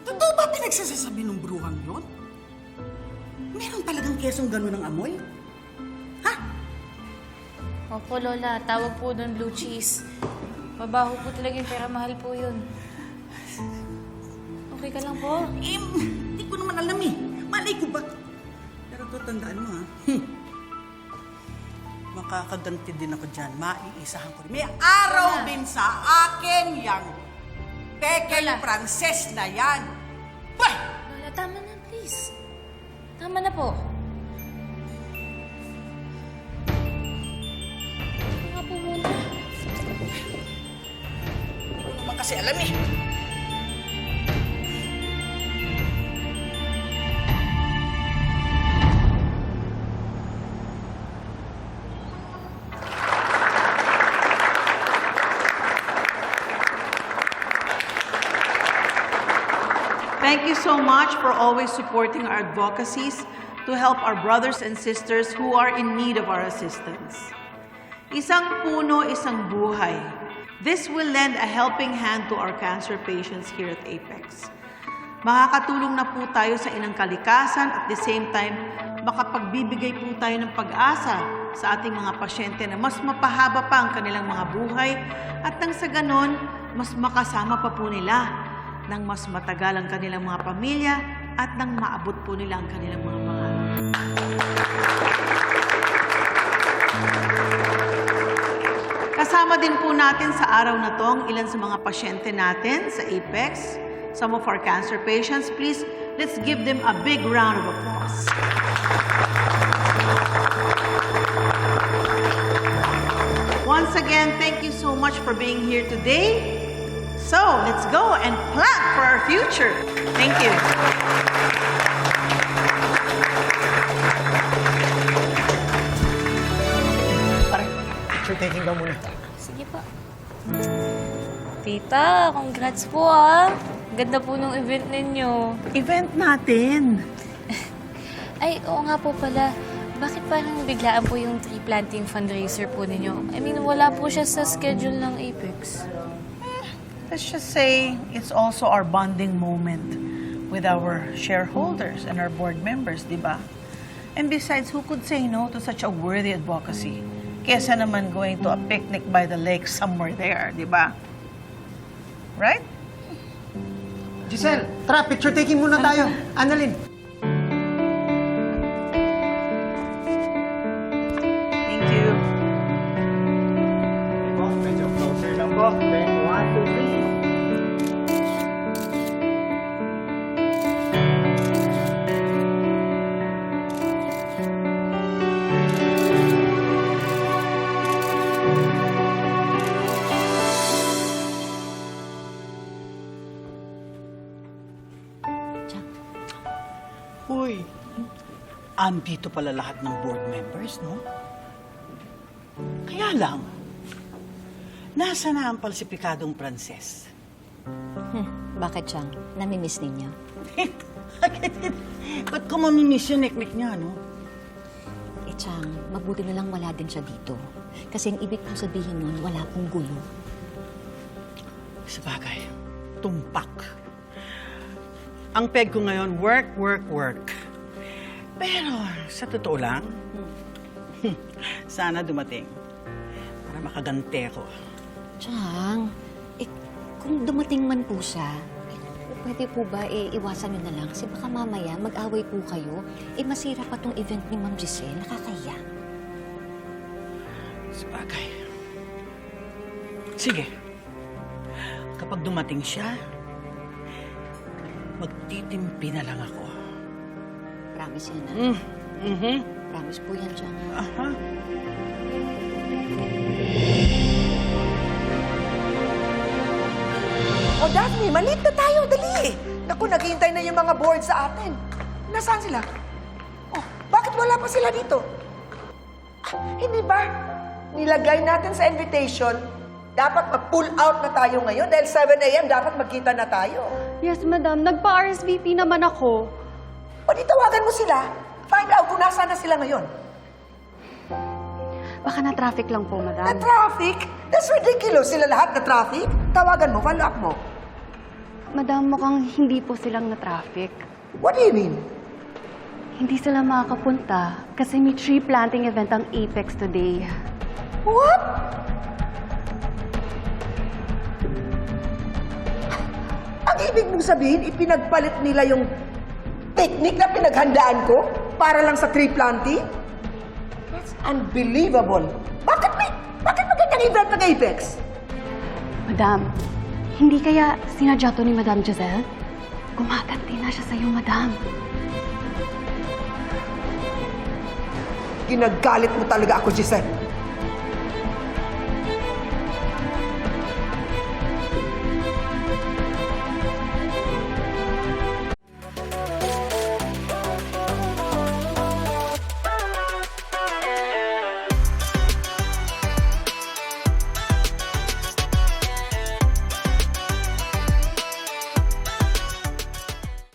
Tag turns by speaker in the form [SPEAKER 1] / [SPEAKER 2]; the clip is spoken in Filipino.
[SPEAKER 1] Totoo ba pinagsasasabi ng bruhang yun? Meron talagang kesong gano'n ng amoy? Ha?
[SPEAKER 2] Opo, Lola. Tawag po doon blue cheese. Mabaho po talaga yung pera. Mahal po yun. Okay ka lang po?
[SPEAKER 1] Hindi ko naman alam eh. Malay ko ba? Pero to, tandaan mo ha. Makakaganti din ako dyan. Maiisahan ko rin. May araw din sa akin yang Peking
[SPEAKER 2] Lola.
[SPEAKER 1] Frances na yan. Bah!
[SPEAKER 2] Lola, tama na, please. Tama na po. Nga po muna.
[SPEAKER 1] Hindi ko naman kasi alam eh.
[SPEAKER 3] Thank you so much for always supporting our advocacies to help our brothers and sisters who are in need of our assistance. Isang puno, isang buhay. This will lend a helping hand to our cancer patients here at Apex. Makakatulong na po tayo sa inang kalikasan at the same time, makapagbibigay po tayo ng pag-asa sa ating mga pasyente na mas mapahaba pa ang kanilang mga buhay at nang sa ganon, mas makasama pa po nila nang mas matagal ang kanilang mga pamilya at nang maabot po nila ang kanilang mga pangarap. Kasama din po natin sa araw na to ang ilan sa mga pasyente natin sa Apex, some of our cancer patients. Please, let's give them a big round of applause. Once again, thank you so much for being here today. So, let's go and plan for our future. Thank you.
[SPEAKER 4] Pare, picture taking daw muna.
[SPEAKER 2] Sige po. Tita, congrats po ah. Ganda po nung event ninyo.
[SPEAKER 3] Event natin.
[SPEAKER 2] Ay, oo nga po pala. Bakit parang biglaan po yung tree planting fundraiser po ninyo? I mean, wala po siya sa schedule ng Apex.
[SPEAKER 3] Let's just say it's also our bonding moment with our shareholders and our board members, di ba? And besides, who could say no to such a worthy advocacy? Kesa naman going to a picnic by the lake somewhere there, di ba? Right?
[SPEAKER 4] Giselle, tara, picture taking muna tayo. Annalyn.
[SPEAKER 3] Thank you.
[SPEAKER 4] Oh, medyo closer lang po. Then, 1, 2, 3.
[SPEAKER 1] Uy, andito pala lahat ng board members, no? Kaya lang, nasa na ang palsipikadong Frances?
[SPEAKER 5] Bakit, Chang? Namimiss ninyo?
[SPEAKER 1] Ba't ko mamimiss yung neknek niya, no?
[SPEAKER 5] Eh, Chang, mabuti na lang wala din siya dito. Kasi ang ibig kong sabihin nun, wala pong gulo.
[SPEAKER 1] Sabagay, tumpak. Ang peg ko ngayon, work, work, work. Pero, sa totoo lang, sana dumating para makagante ko.
[SPEAKER 5] Chang, kung dumating man po siya, pwede po ba iwasan nyo na lang? Kasi baka mamaya mag-away po kayo, masira pa tong event ni Ma'am Giselle. Nakakahiya.
[SPEAKER 1] Sabagay. Sige. Kapag dumating siya, magtitimpi na lang ako.
[SPEAKER 5] Promise yan, ha?
[SPEAKER 1] Mm-hmm.
[SPEAKER 5] Promise po yan, Chang.
[SPEAKER 1] Aha.
[SPEAKER 6] O, Daphne, malit na tayo. Dali. Naku, naghihintay na yung mga board sa atin. Nasaan sila? Oh, bakit wala pa sila dito? Hindi ba nilagay natin sa invitation, dapat mag-pull out na tayo ngayon dahil 7 a.m. dapat magkita na tayo.
[SPEAKER 7] Yes, madam. Nagpa-RSVP naman ako.
[SPEAKER 6] O di tawagan mo sila. Find out kung nasaan na sila ngayon.
[SPEAKER 7] Baka na-traffic lang po, madam.
[SPEAKER 6] Na traffic? That's ridiculous. Sila lahat na traffic. Tawagan mo, follow up mo.
[SPEAKER 7] Madam, mukhang hindi po silang na-traffic.
[SPEAKER 6] What do you mean?
[SPEAKER 7] Hindi sila makakapunta kasi may tree planting event ang Apex today.
[SPEAKER 6] What? Ang ibig mong sabihin, ipinagpalit nila yung picnic na pinaghandaan ko para lang sa tree planting? That's unbelievable. Bakit magandang event ng Apex?
[SPEAKER 7] Madam, hindi kaya sinadya to ni Madam Giselle? Gumaganti na siya sa'yo, Madam.
[SPEAKER 6] Ginagalit mo talaga ako, Giselle.